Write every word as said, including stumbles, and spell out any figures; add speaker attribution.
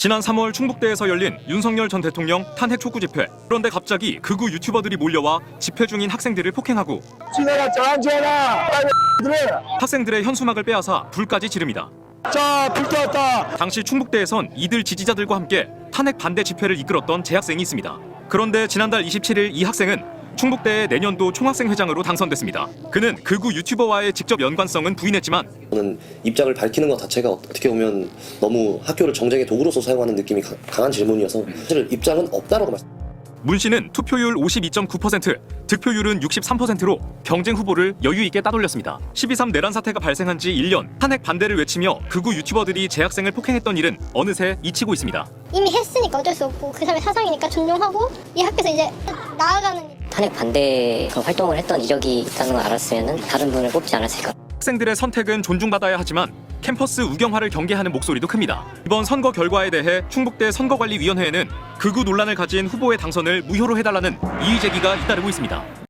Speaker 1: 지난 삼월 충북대에서 열린 윤석열 전 대통령 탄핵 촉구 집회. 그런데 갑자기 극우 유튜버들이 몰려와 집회 중인 학생들을 폭행하고
Speaker 2: 지내라 저한지해라
Speaker 1: 학생들의 현수막을 빼앗아 불까지 지릅니다.
Speaker 2: 자, 불 떴다.
Speaker 1: 당시 충북대에선 이들 지지자들과 함께 탄핵 반대 집회를 이끌었던 재학생이 있습니다. 그런데 지난달 이십칠일 이 학생은 충북대의 내년도 총학생회장으로 당선됐습니다. 그는 극우 유튜버와의 직접 연관성은 부인했지만
Speaker 3: 저는 입장을 밝히는 것 자체가 어떻게 보면 너무 학교를 정쟁의 도구로서 사용하는 느낌이 강한 질문이어서 사실 입장은 없다라고 말씀.
Speaker 1: 문 씨는 투표율 오십이 점 구 퍼센트, 득표율은 육십삼 퍼센트로 경쟁 후보를 여유 있게 따돌렸습니다. 십이 삼 내란 사태가 발생한 지 일 년, 탄핵 반대를 외치며 극우 유튜버들이 재학생을 폭행했던 일은 어느새 잊히고 있습니다.
Speaker 4: 이미 했으니까 어쩔 수 없고 그 사람의 사상이니까 존중하고 이 학교에서 이제 나아가는
Speaker 5: 탄핵 반대 그런 활동을 했던 이력이 있다는 걸 알았으면 다른 분을 뽑지 않았을까.
Speaker 1: 학생들의 선택은 존중받아야 하지만 캠퍼스 우경화를 경계하는 목소리도 큽니다. 이번 선거 결과에 대해 충북대 선거관리위원회에는 극우 논란을 가진 후보의 당선을 무효로 해달라는 이의 제기가 잇따르고 있습니다.